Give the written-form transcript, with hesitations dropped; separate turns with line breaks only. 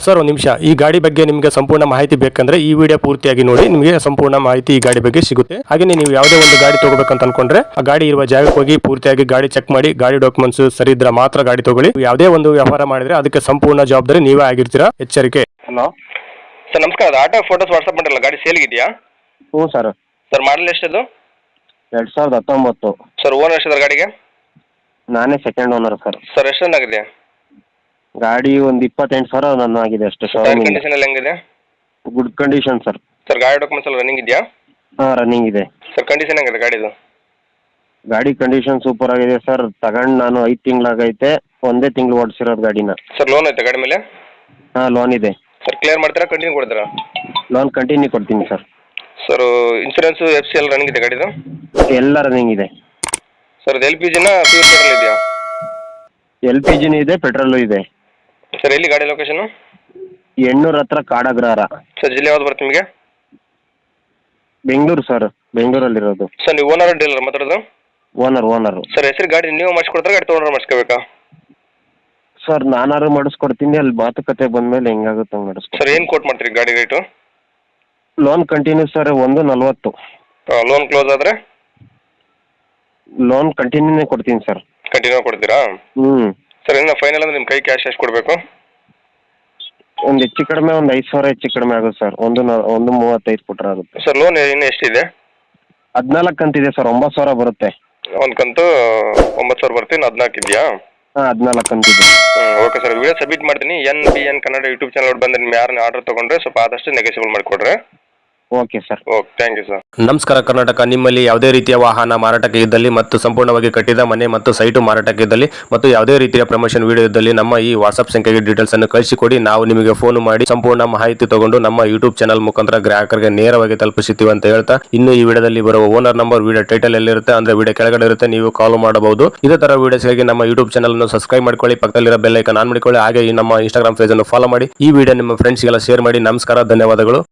Sir ಒಂದು ನಿಮಿಷ, ಈ ಗಾಡಿ ಬಗ್ಗೆ ನಿಮಗೆ ಸಂಪೂರ್ಣ ಮಾಹಿತಿ ಬೇಕಂದ್ರೆ ಈ ವಿಡಿಯೋ ಪೂರ್ತಿಯಾಗಿ ನೋಡಿ, ನಿಮಗೆ ಸಂಪೂರ್ಣ ಮಾಹಿತಿ ಈ ಗಾಡಿ ಬಗ್ಗೆ ಸಿಗುತ್ತೆ. ಹಾಗೆ ನೀವು ಯಾವುದೇ ಒಂದು ಗಾಡಿ ತಗೋಬೇಕಂತ ಅನ್ಕೊಂಡ್ರೆ ಆ ಗಾಡಿ ಇರುವ ಜಾಗಕ್ಕೆ ಹೋಗಿ ಪೂರ್ತಿಯಾಗಿ ಗಾಡಿ ಚೆಕ್ ಮಾಡಿ, ಗಾಡಿ ಡಾಕ್ಯುಮೆಂಟ್ಸ್ ಸರಿ ಇದ್ರೆ ಮಾತ್ರ ಗಾಡಿ ತಗೊಳ್ಳಿ. ಯಾವುದೇ ಒಂದು ವ್ಯವಹಾರ ಮಾಡಿದ್ರೆ ಅದಕ್ಕೆ ಸಂಪೂರ್ಣ ಜವಾಬ್ದಾರಿ ನೀವೇ ಆಗಿರ್ತೀರಾ, ಎಚ್ಚರಿಕೆ.
ಹಲೋ
ಸರ್ ನಮಸ್ಕಾರ, ಅದು ಆಟೋ ಫೋಟೋಸ್ ವಾಟ್ಸಪ್ ಮಾಡಿರಲ್ಲ, ಗಾಡಿ ಸೇಲ್ಗಿದೆಯಾ?
ಹ್ಞೂ ಸರ್.
ಸರ್ ಮಾಡಲ್ ಎಷ್ಟದು?
2019.
ಸರ್ ಓನರ್ ಎಷ್ಟಿದೆ ಗಾಡಿಗೆ?
ನಾನೇ ಸೆಕೆಂಡ್ ಓನರ್ ಸರ್.
ಸರ್ ಎಷ್ಟು ರನ್ ಆಗಿದೆ?
ಗಾಡಿ ಒಂದು 28,000 ರನ್ ಆಗಿದೆ ಅಷ್ಟೇ.
ಟೈರ್ ಕಂಡೀಷನ್ ಎಲ್ಲ ಹೆಂಗಿದೆ?
Good condition sir.
ಸರ್ ಗಾಡಿ ಡಾಕ್ಯುಮೆಂಟ್ಸ್ ಎಲ್ಲ ರನ್ನಿಂಗ್ ಇದೆಯಾ?
ಹಾಂ, ರನ್ನಿಂಗ್ ಇದೆ.
ಸರ್ ಕಂಡೀಷನ್ ಹೆಂಗಿದೆ ಗಾಡಿದು?
ಗಾಡಿ ಕಂಡೀಷನ್ ಸೂಪರ್ ಆಗಿದೆ ಸರ್. ತಗೊಂಡು ನಾನು 5 ತಿಂಗಳಾಗೈತೆ. ಒಂದೇ ತಿಂಗಳು ಓಡಿಸಿರೋದು ಗಾಡಿನ.
ಸರ್ ಲೋನ್ ಐತೆ ಗಾಡಿ ಮೇಲೆ?
ಹಾಂ, ಲೋನ್ ಇದೆ.
ಸರ್ ಕ್ಲಿಯರ್ ಮಾಡ್ತೀರಾ, ಕಂಟಿನ್ಯೂ ಕೊಡ್ತೀರಾ?
ಲೋನ್ ಕಂಟಿನ್ಯೂ ಕೊಡ್ತೀನಿ ಸರ್.
ಸರ್ ಇನ್ಸೂರೆನ್ಸು FC ಎಲ್ಲ ರನ್ನಿಂಗ್ ಇದೆ ಗಾಡಿದು?
ಎಲ್ಲ ರನ್ನಿಂಗ್ ಇದೆ.
ಸರ್ ಇದು LPGನ ಪ್ಯೂರ್ ಪೆಟ್ರೋಲ್ ಇದೆಯಾ?
LPGನೂ ಇದೆ, ಪೆಟ್ರೋಲು ಇದೆ.
ಸರ್ ಎಲ್ಲಿ ಗಾಡಿ ಲೊಕೇಶನು?
ಎಣ್ಣೂರ ಹತ್ರ ಕಾಡಗ್ರಹಾರ.
ಸರ್ ಜಿಲ್ಲೆ ಯಾವ್ದು ಬರುತ್ತೆ ನಿಮಗೆ?
ಬೆಂಗಳೂರು ಸರ್, ಬೆಂಗಳೂರಲ್ಲಿರೋದು.
ಸರ್ ನೀವು ಓನರ್ ಡೀಲರ್ ಮಾತಾಡೋದು?
ಓನರು.
ಸರ್ ಹೆಸರು ಗಾಡಿ ನೀವು ಮಾಡಿಸ್ಕೊಡ್ತಾರೆ, ಗಾಡಿ ತೊಗೊಂಡ್ರೆ ಮಾಡಿಸ್ಕೋಬೇಕಾ?
ಸರ್ ನಾನಾರು ಮಾಡಿಸ್ಕೊಡ್ತೀನಿ, ಅಲ್ಲಿ ಮಾತುಕತೆ ಬಂದಮೇಲೆ ಹೆಂಗಾಗುತ್ತೆ ಹಂಗೆ ಮಾಡಿಸ್ಕೊಡ್ತೀನಿ.
ಸರ್ ಏನು ಕೋಟ್ ಮಾಡ್ತೀರಿ ಗಾಡಿ rate?
Loan continue sir 140.
Loan close ಆದರೆ?
ಲೋನ್ ಕಂಟಿನ್ಯೂನೇ ಕೊಡ್ತೀನಿ ಸರ್.
ಕಂಟಿನ್ಯೂ ಕೊಡ್ತೀರಾ?
ಹ್ಞೂ
ಸರ್ ಇನ್ನು ಫೈನಲ್ ಅಂದ್ರೆ ನಿಮ್ಮ ಕೈ ಕ್ಯಾಶ್ ಎಷ್ಟು ಕೊಡಬೇಕು?
ಒಂದು ಹೆಚ್ಚು ಕಡಿಮೆ ಒಂದು 5,000 ಹೆಚ್ಚು ಕಡಿಮೆ ಆಗುತ್ತೆ ಸರ್. 135 ಕೊಟ್ಟರೆ ಆಗುತ್ತೆ.
ಸರ್ ಲೋನ್ ಇನ್ನು ಎಷ್ಟಿದೆ?
14 ಕಂತಿದೆ ಸರ್. 9,000 ಬರುತ್ತೆ.
ಒಂದು ಕಂತು 9,000 ಬರುತ್ತೆ, ಇನ್ನು 14 ಇದೆಯಾ?
ಹಾಂ, 14 ಕಂತಿದೆ.
ಓಕೆ ಸರ್, ವಿಡಿಯೋ ಸಬ್ಮಿಟ್ ಮಾಡ್ತೀನಿ. NBN ಕನ್ನಡ ಯೂಟ್ಯೂಬ್ ಚಾನಲ್ ಬಂದರೆ ನಿಮ್ಮ ಯಾರನ್ನ ಆರ್ಡರ್ ತೊಗೊಂಡ್ರೆ ಸ್ವಲ್ಪ ಆದಷ್ಟು ನೆಗೆಸಿಬಲ್ ಮಾಡಿಕೊಡ್ರೆ.
Okay sir.
Okay, thank you sir.
ನಮಸ್ಕಾರ ಕರ್ನಾಟಕ. ನಿಮ್ಮಲ್ಲಿ ಯಾವುದೇ ರೀತಿಯ ವಾಹನ ಮಾರಾಟಕ್ಕೆ ಇದ್ದಲ್ಲಿ ಮತ್ತು ಸಂಪೂರ್ಣವಾಗಿ ಕಟ್ಟಿದ ಮನೆ ಮತ್ತು ಸೈಟು ಮಾರಾಟಕ್ಕೆ ಇದ್ದಲ್ಲಿ ಮತ್ತು ಯಾವುದೇ ರೀತಿಯ ಪ್ರಮೋಷನ್ ವಿಡಿಯೋ ಇದ್ದಲ್ಲಿ ನಮ್ಮ ಈ ವಾಟ್ಸ್ಆಪ್ ಸಂಖ್ಯೆಗೆ ಡೀಟೇಲ್ಸ್ ಅನ್ನು ಕಳಿಸಿಕೊಡಿ. ನಾವು ನಿಮಗೆ ಫೋನ್ ಮಾಡಿ ಸಂಪೂರ್ಣ ಮಾಹಿತಿ ತಗೊಂಡು ನಮ್ಮ ಯೂಟ್ಯೂಬ್ ಚಾನಲ್ ಮುಖಾಂತರ ಗ್ರಾಹಕರಿಗೆ ನೇರವಾಗಿ ತಲುಪಿಸುತ್ತೀವಿ ಅಂತ ಹೇಳ್ತಾ, ಇನ್ನು ಈ ವಿಡಿಯೋದಲ್ಲಿ ಬರುವ ಓನರ್ ನಂಬರ್ ವಿಡಿಯೋ ಟೈಟಲ್ ಎಲ್ಲಿರುತ್ತೆ ಅಂದ್ರೆ ವಿಡಿಯೋ ಕೆಳಗಡೆ ಇರುತ್ತೆ, ನೀವು ಕಾಲ್ ಮಾಡಬಹುದು. ಇದೇ ತರ ವಿಡಿಯೋಸ್ಗಾಗಿ ನಮ್ಮ ಯೂಟ್ಯೂಬ್ ಚಾನಲ್ ಅನ್ನು ಸಬ್ಸ್ಕ್ರೈಬ್ ಮಾಡ್ಕೊಳ್ಳಿ, ಪಕ್ಕದಲ್ಲಿರೋ ಬೆಲ್ ಐಕಾನ್ ಆನ್ ಮಾಡಿಕೊಳ್ಳಿ. ಹಾಗೆ ಈ ನಮ್ಮ ಇನ್ಸ್ಟಾಗ್ರಾಮ್ ಪೇಜ್ ಅನ್ನು ಫಾಲೋ ಮಾಡಿ. ಈ ವಿಡಿಯೋ ನಿಮ್ಮ ಫ್ರೆಂಡ್ಸ್ಗೆಲ್ಲ ಶೇರ್ ಮಾಡಿ. ನಮಸ್ಕಾರ, ಧನ್ಯವಾದಗಳು.